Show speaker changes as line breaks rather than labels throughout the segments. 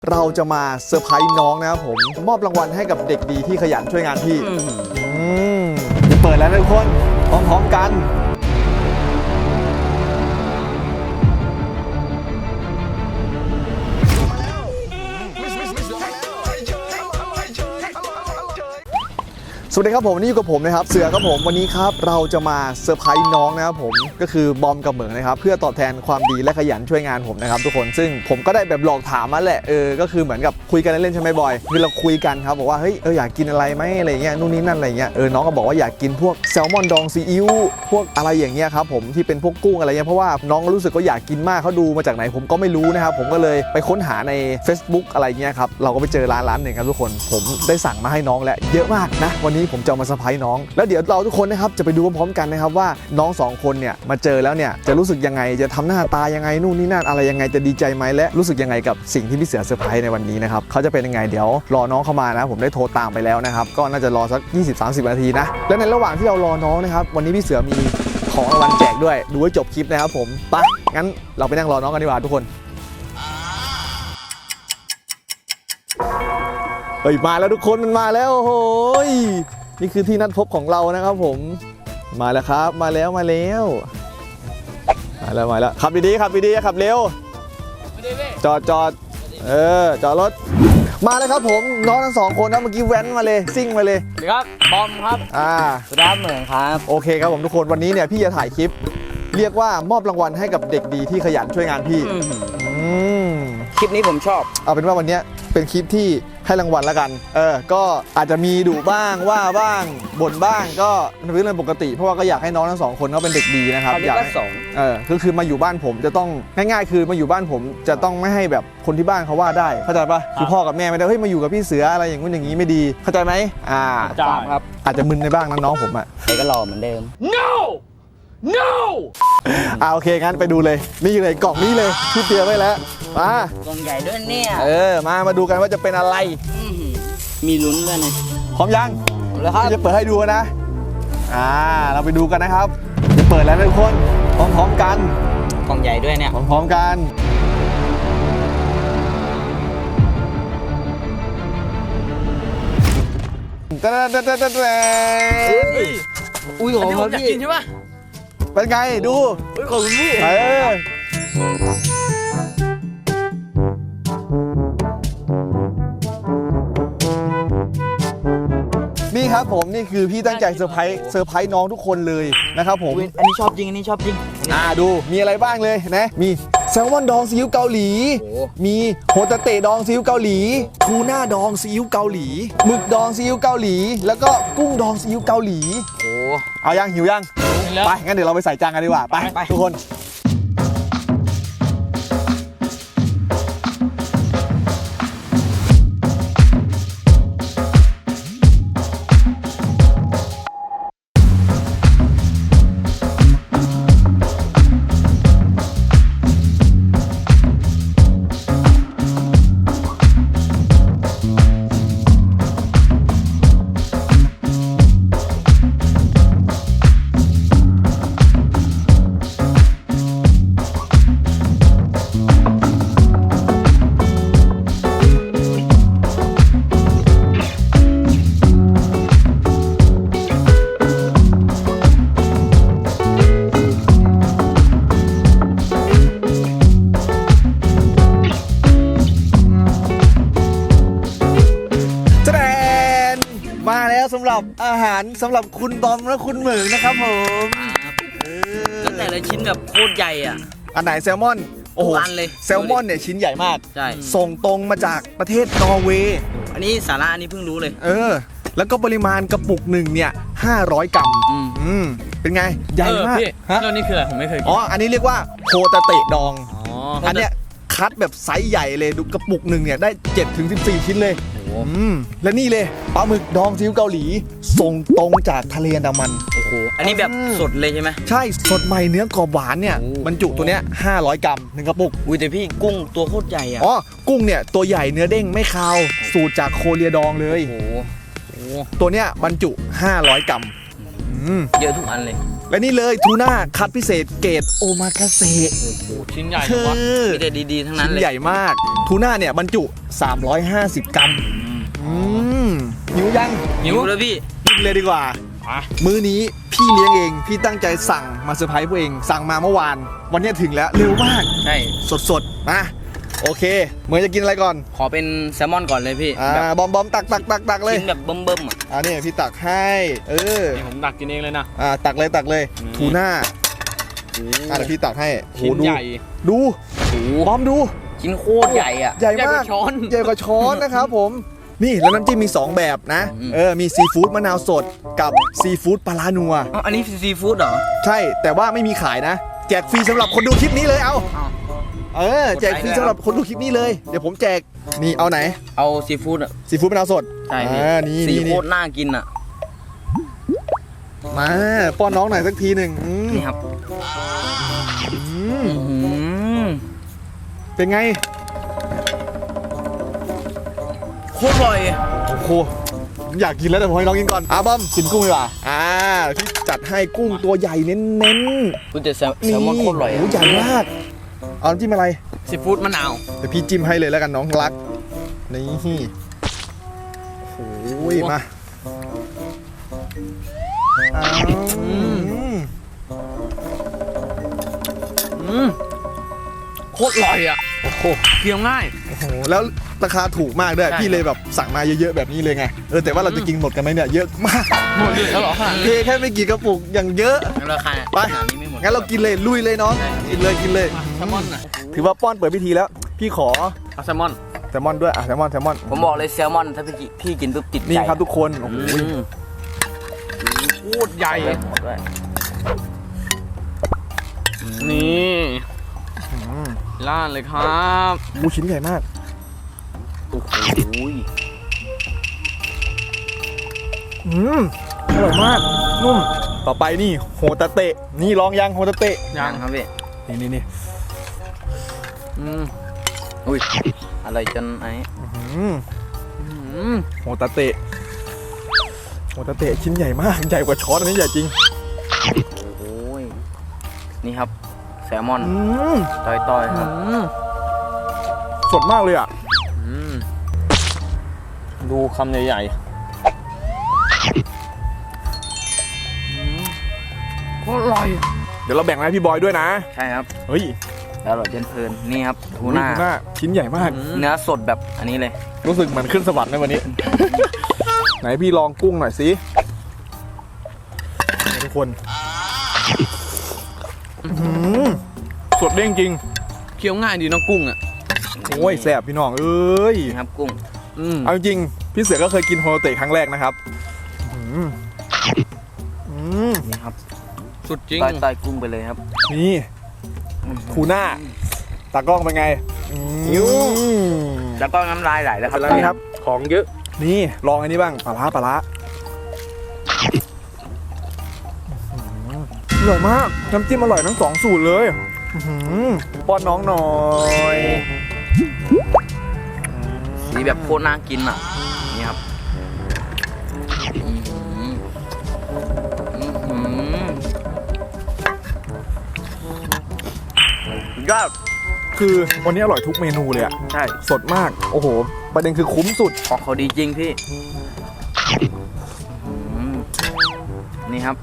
เราจะมาเซอร์ไพรส์น้องนะครับผมมอบรางวัลให้กับเด็กดีที่ขยันช่วยงานพี่จะเปิดแล้วนะทุกคนพร้อมๆกันสวัสดีครับผมนี่อยู่กับผมนะครับเสือครับผมวันนี้ครับเราจะมาเซอร์ไพรส์น้องนะครับผมก็คือบอมกับเหมืองนะครับเพื่อตอบแทนความดีและขยันช่วยงานผมนะครับทุกคนซึ่งผมก็ได้แบบหลอกถามมาแหละก็คือเหมือนกับคุยกันเล่นๆใช่ไหมบอยคือเราคุยกันครับบอกว่าเฮ้ยอยากกินอะไรไหมอะไรเงี้ยนู่นนี่นั่นอะไรเงี้ยน้องก็บอกว่าอยากกินพวกแซลมอนดองซีอิ๊วพวกอะไรอย่างเงี้ยครับผมที่เป็นพวกกุ้งอะไรเงี้ยเพราะว่าน้องรู้สึกว่าอยากกินมากเขาดูมาจากไหนผมก็ไม่รู้นะครับผมก็เลยไปค้นหาใน Facebook อะไรเงี้ยครับเราก็ไปเจอร้านหนึ่งครับทุกคนผมได้สั่งมาให้น้องแล้วเยอะมากนะวันนี้ผมจะมาเซอร์ไพรส์น้องแล้วเดี๋ยวเราทุกคนนะครับจะไปดูพร้อมๆกันนะครับว่าน้อง2คนเนี่ยมาเจอแล้วเนี่ยจะรู้สึกยังไงจะทำหน้าตายังไงนู่นนี่นั่นอะไรยังไงจะดีใจไหมและรู้สึกยังไงกับสิ่งที่พี่เสือเซอร์ไพรส์ในวันนี้นะครับเขาจะเป็นยังไงเดี๋ยวรอน้องเข้ามานะผมได้โทรตามไปแล้วนะครับก็น่าจะรอสัก 20-30 นาทีนะและในระหว่างที่เรารอน้องนะครับวันนี้พี่เสือมีของรางวัลแจกด้วยดูให้จบคลิปนะครับผมไปงั้นเราไปนั่งรอน้องกันดีกว่าทุกคนมาแล้วทุกคนมันมาแล้วโอ้โหนี่คือที่นัดพบของเรานะครับผมมาแล้วครับมาแล้วขับดีๆขับเร็วจอดจอดรถมาเลยครับผมน้องทั้ง2คนนะเมื่อกี้แว้นมาเลยซิ่งมาเลย
สวัสดีครับบอมครับสวัสดีครับเหมือนครับ
โอเคครับผมทุกคนวันนี้เนี่ยพี่จะถ่ายคลิปเรียกว่ามอบรางวัลให้กับเด็กดีที่ขยันช่วยงานพี่
คลิปนี้ผมชอบ
เอาเป็นว่าวันนี้เป็นคลิปที่ให้รางวัลแล้วกันก็อาจจะมีดุบ้างว่าบ้างบ่นบ้างก็เป็นเรื่องปกติเพราะว่าก็อยากให้น้องทั้ง2คนเขาเป็นเด็กดีนะครับ
อยากให้
คือมาอยู่บ้านผมจะต้องง่ายๆคือมาอยู่บ้านผมจะต้องไม่ให้แบบคนที่บ้านเขาว่าได้เข้าใจปะคือพ่อกับแม่ไม่ได้เฮ้ยมาอยู่กับพี่เสืออะไรอย่างนู้นอย่างนี้ไม่ดีเข้าใจไหม
ครับ
อาจจะมึนในบ้างน้องผมอ่ะ
ใครก็รอเหมือนเดิม
no โอเคงั้นไปดูเลยนี่เลยกล่องนี้เลยที่เตรียมไว้แล้วม
ากล่องใหญ่ด้วยเนี่ย
มาดูกันว่าจะเป็นอะไร
มีลุ้นด้วยนะ
พร้อมยัง
แล้วครับ
จะเปิดให้ดูนะเราไปดูกันนะครับจะเปิดแล้วนะทุกคนพร้อมๆกัน
กล่องใหญ่ด้วยเนี่ย
พร้อมๆกัน
อุ้ยของพี่กินใช่ปะ
เป็นไงดู
ขอบคุณพี่
นี่ครับผมนี่คือพี่ตั้งใจเซอร์ไพรส์น้องทุกคนเลยนะครับผม
อันนี้ชอบจริง
ดูมีอะไรบ้างเลยนะมีแซลมอนดองซีอิ๊วเกาหลีมีโฮตาเตะดองซีอิ๊วเกาหลีทูน่าดองซีอิ๊วเกาหลีหมึกดองซีอิ๊วเกาหลีแล้วก็กุ้งดองซีอิ๊วเกาหลีเอายังหิวยังไปงั้นเดี๋ยวเราไปใส่จานกันดีกว่าไปทุกคนมาแล้วสำหรับอาหารสำหรับคุณบอมและคุณเหมิงนะครับผม
แล้วแต่ละชิ้นแบบโคตรใหญ่อ่ะ
อันไหนแซลมอนโอ้โห
เลย
แซลมอนเนี่ยชิ้นใหญ่มาก
ใช่
ส่งตรงมาจากประเทศนอร์เวย์
อันนี้สาระอันนี้เพิ่งรู้เลย
แล้วก็ปริมาณกระปุกหนึ่งเนี่ย500 กรัมเป็นไงใหญ่มาก
แล้วนี่คืออะไรผมไม่เคยกิน
อันนี้เรียกว่าโฮตาเตะดองอันเนี้ยคัดแบบไซส์ใหญ่เลยดูกระปุกหนึ่งเนี่ยได้ 7-14 ชิ้นเลยและนี่เลยปลาหมึกดองซีอิ๊วเกาหลีส่งตรงจากทะเลอันดามัน
โอ้โหอันนี้แบบสดเลยใช่ไหม
ใช่สดใหม่เนื้อกรอบหวานเนี่ยบรรจุตัวเนี้ย500 กรัม1กระปุก
แต่พี่กุ้งตัวโคตรใหญ่อ่ะ
กุ้งเนี่ยตัวใหญ่เนื้อเด้งไม่คาวสูตรจากโคเรียดองเลยตัวเนี้ยบรรจุ500 กรัม
เยอะทุกอันเลย
และนี่เลยทูน่าคัดพิเศษเกรดโอมากาเสะ
ชิ้นใหญ่
คื
จังวะ
อ
มีแต่ดีๆทั้งนั้น
ชิ้น
เลย
ใหญ่มากทูน่าเนี่ยบรรจุ 350 กรัมหิวยัง
หิวแล้วพี่
กินเลยดีกว่า
อ่ะ
มื้อนี้พี่เลี้ยงเองพี่ตั้งใจสั่งมาเซอร์ไพรส์พวกเองสั่งมาเมื่อวาน วันนี้ถึงแล้วเร็วมาก
ใช่
สดๆนะโอเคเหมือนจะกินอะไรก่อน
ขอเป็นแซลมอนก่อนเลยพี่แบบ
บอมตักเลย
ชิ้นแบบเบิ่มๆอ่ะ
นี่พี่ตักให้
นี่ผมดักกินเองเลยนะ
ตักเลย
นี่
ทูน่าเดี๋ยวพี่ตักให้โห
ชิ้น
ดู
ใหญ่
ดูบอมดู
ชิ้นโคตรใหญ่อ่ะ
ใหญ่
ใหญ่ก
มา
ว่าก ช้อน
ใหญ่กว่าช้อนนะครับผมนี่แล้วน้ำจิ้มมี 2 แบบนะ มีซีฟู้ดมะนาวสดกับซีฟู้ดปลาร้านัว
อ๋ออันนี้ซีฟู้ดเหรอ
ใช่แต่ว่าไม่มีขายนะ แจกฟรีสำหรับคนดูคลิปนี้เลยเอา
อ้าว
แจกฟรีสำหรับคนดูคลิปนี้เลย เดี๋ยวผมแจกนี่เอาไหน
เอาซีฟู้ดอ่ะ
ซีฟู้ดมะนาวสด
ใช่พี่
นี่
ซี
นี่
โคตรน่ากินอ่ะ
มาป้อนน้องหน่อยสักทีหนึ่ง
นี่ครับ
เป็นไง
โคตรอร่อย
โอ้โหผมอยากกินแล้วแต่ผมให้น้องกินก่อนบอมกินกุ้งดีกว่าพี่จัดให้กุ้งตัวใหญ่เน้น
คุณแต่แซ
ๆ
ลมอนโคตรอร่อยอะ
โใหญ่มากเอาน้ำจิ้มอะไร
ซีฟู้ดมะนาว
เดี๋ยวพี่จิ้มให้เลยแล้วกันน้องรักนี่โอ้ยมา
โคตรอร่อยอ่ะ
โอ้โห
เคี้ยวง่าย
โอ้โหแล้วราคาถูกมากด้วย
ใช่
พี่เลยแบบสั่งมาเยอะๆแบบนี้เลยไงแต่ว่าเราจะกินหมดกันไหมเนี่ยเยอะมาก
หมดเลยแล้วเหรอขนาด
เท
นี้
แค่ไม่กี่กระปุกอย่างเยอะ
งั้นราคา
ไป
ขนาดนี้ไม่หมด
งั้นเรากินเลยลุยเลยน้องกินเลย
แซลมอนน่ะ
ถือว่าป้อนเปิดพิธีแล้ว พี่ขอ
เอาแซลมอน
แซลมอนด้วยแซลมอน
ผมบอกเลยแซลมอนถ้าพี่กินปุ๊บติดใจ
นี่ครับทุกคนโอ้โห
โคตรใหญ่
หมดด้วย
นี่ล่านเลยครับ
หมูชิ้นใหญ่มาก
โอ้โห
อร่อยมากนุ่มต่อไปนี่โฮตาเตะนี่ลองยังโฮตาเตะ
ยังครับพี่
นี่
อุ้ยอะไรจนไอ้
โฮตาเตะชิ้นใหญ่มากใหญ่กว่าช้อนอันนี้ใหญ่จริง
โอ้ยนี่ครับแซลมอนต้อยๆครับ
สดมากเลยอ่ะ
ดูคำใหญ่ๆโคตรอร่อย
เดี๋ยวเราแบ่งให้พี่บอยด้วยนะ
ใช่ครับ
เฮ้ย
แล้วอร่อยจนเพลินนี่ครับทูน่า
ชิ้นใหญ่มาก
เนื้อสดแบบอันนี้เลย
รู้สึกเหมือนขึ้นสวรรค์ในวันนี้ ไหนพี่ลองกุ้งหน่อยสิทุกคนสดเด้งจริง
เคี้ยวง่ายดีเน้องกุ้งอ่ะ
โอ้ยแซ่บพี่น้องเอ้ย
นี่ครับกุ้ง
เอาจริงพี่เสือก็เคยกินโฮโลเตะครั้งแรกนะครับ
นี่ครับ
สุดจริง
ต้อยกุ้งไปเลยครับ
นี่ทูน่าตากล้องเป็นไง
แล้วก็น้ำลายไหลแล้วครับ
เป็นไรครับ
ของเยอะ
นี่ลองอันนี้บ้างปลาร้าอร่อยมากน้ำจิ้มอร่อยทั้งสองสูตรเลยป้อนน้องหน่อย
สีแบบโคตรน่ากินอ่ะนี่ครับยอด
คือวันนี้อร่อยทุกเมนูเลยอะ
ใช่
สดมากโอ้โหประเด็นคือคุ้มสุด
ของเขาดีจริงพี่นี่ครับ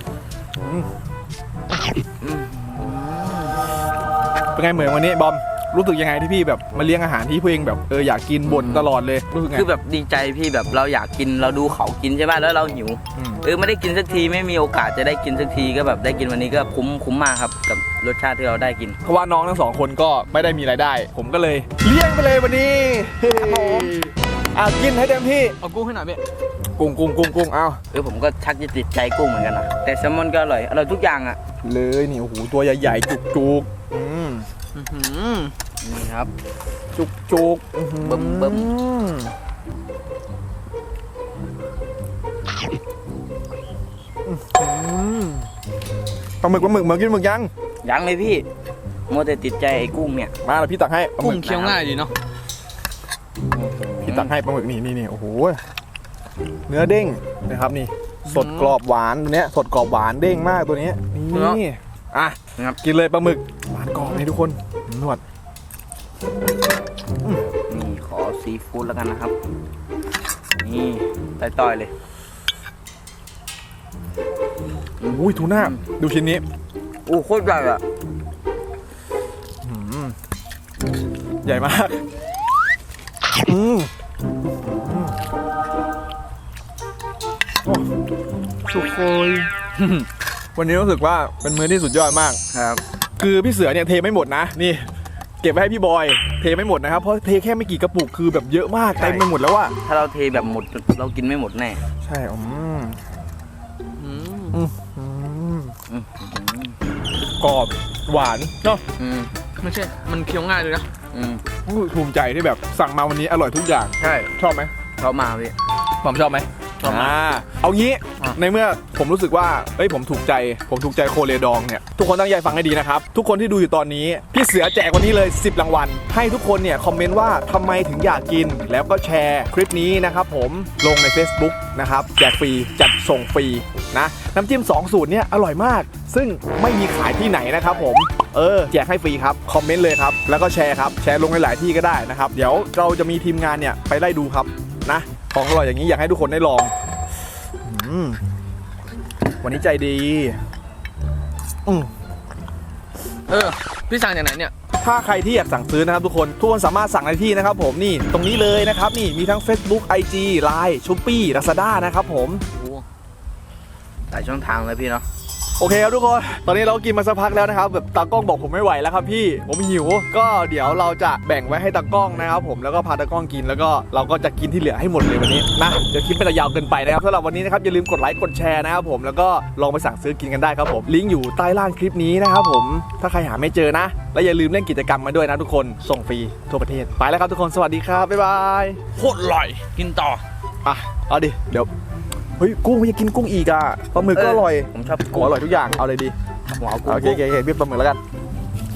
เป็นไงเหมือนวันนี้บอมรู้สึกยังไงที่พี่แบบมาเลี้ยงอาหารที่พี่เองแบบอยากกินบ่นตลอดเลยรู้สึกไง
คือแบบดีใจพี่แบบเราอยากกินเราดูเขากินใช่ไหมแล้วเราหิวไม่ได้กินสักทีไม่มีโอกาสจะได้กินสักทีก็แบบได้กินวันนี้ก็คุ้มมากครับกับรสชาติที่เราได้กิน
เพราะว่าน้องทั้งสองคนก็ไม่ได้มีรายได้ ผมก็เลยเลี้ยงไปเลยวันนี้ครับผมกินให้เต็มที่
เอากุ้งให้หน่อยพี่
กุ้งเอา
ผมก็ชักจะติดใจกุ้งเหมือนกันนะแต่แซลมอนก็อร่อยทุกอย่างอ่ะ
เลยนี่โอ้โหตัวใหญ่ๆจุก
นี่ครับ
จุก
เบิ่ม
ปลาหมึกมากินหมึกยัง
ยังเลยพี่มัวแต่ติดใจไอ้กุ้งเนี่ย
มาแล้วพี่ตักให้ปลาห
กุ้
มึ
ง
ก
เคี้ยวง่ายดีเนาะ
พี่ตักให้ปลาหมึกนี่โอ้โหเนื้อเด้งนะครับนี่สดกรอบหวานตัวเนี้ยสดกรอบหวานเด้งมากตัวนี้นี่อ่ะกินเลยปลาหมึกหวานกรอบเลยทุกคนนวด
นี่ขอซีฟู้ดแล้วกันนะครับนี่ต่อยๆเลย
อุ้ยทูน่าดูชิ้นนี้
โอ้โคตรใหญ่อะ
ใหญ่มากสุโคยวันนี้รู้สึกว่าเป็นมื้อที่สุดยอดมาก
ครับ
คือพี่เสือเนี่ยเทไม่หมดนะนี่เก็บไว้ให้พี่บอยเทไม่หมดนะครับเพราะเทแค่ไม่กี่กระปุกคือแบบเยอะมากเต็มไปหมดแล้วอะ
ถ้าเราเทแบบหมดเรากินไม่หมดแน่
ใช่กรอบหวานเนาะ
ไม่ใช่มันเคี้ยวง่ายเลยนะ
ภูมิใจที่แบบสั่งมาวันนี้อร่อยทุกอย่าง
ใช่
ชอบไหม
เขามาพี่
ผมชอบไหมเอางี้ในเมื่อผมรู้สึกว่าผมถูกใจโคเรดองเนี่ยทุกคนตั้งใจฟังให้ดีนะครับทุกคนที่ดูอยู่ตอนนี้พี่เสือแจกวันนี้เลย10รางวัลให้ทุกคนเนี่ยคอมเมนต์ว่าทำไมถึงอยากกินแล้วก็แชร์คลิปนี้นะครับผมลงใน Facebook นะครับแจกฟรีจัดส่งฟรีนะน้ำจิ้ม2สูตรเนี่ยอร่อยมากซึ่งไม่มีขายที่ไหนนะครับผมแจกให้ฟรีครับคอมเมนต์เลยครับแล้วก็แชร์ครับแชร์ลงในหลายที่ก็ได้นะครับเดี๋ยวเราจะมีทีมงานเนี่ยไปไล่ดูครับนะของอร่อยอย่างนี้อยากให้ทุกคนได้ลองวันนี้ใจดี
พี่สั่งจากไหนเนี่ย
ถ้าใครที่อยากสั่งซื้อนะครับทุกคนสามารถสั่งได้ที่นะครับผมนี่ตรงนี้เลยนะครับนี่มีทั้ง Facebook IG Line Shopee Lazada นะครับผม
หลายช่องทางเลยพี่เนาะ
โอเคครับทุกคนตอนนี้เรากินมาสักพักแล้วนะครับแบบตากล้องบอกผมไม่ไหวแล้วครับพี่ผมหิวก็เดี๋ยวเราจะแบ่งไว้ให้ตากล้องนะครับผมแล้วก็พาตากล้องกินแล้วก็เราก็จะกินที่เหลือให้หมดเลยวันนี้นะเดี๋ยวคลิปเป็นยาวเกินไปนะครับสำหรับวันนี้นะครับอย่าลืมกดไลค์กดแชร์นะครับผมแล้วก็ลองไปสั่งซื้อกินกันได้ครับผมลิงก์อยู่ใต้ล่างคลิปนี้นะครับผมถ้าใครหาไม่เจอนะและอย่าลืมเล่นกิจกรรมมาด้วยนะทุกคนส่งฟรีทั่วประเทศไปแล้วครับทุกคนสวัสดีครับบ๊ายบาย
โคตรอร่อยกินต่อ
เอาดิเดี๋ยวเฮ้ยกุ้งไม่อยากกินกุ้งอีกอ่ะปลาหมึกก็อร่อย
ผมชอบ
อร่อยทุกอย่างเอาเลยดีโอเคพี่ปลาหมึกแล้วกัน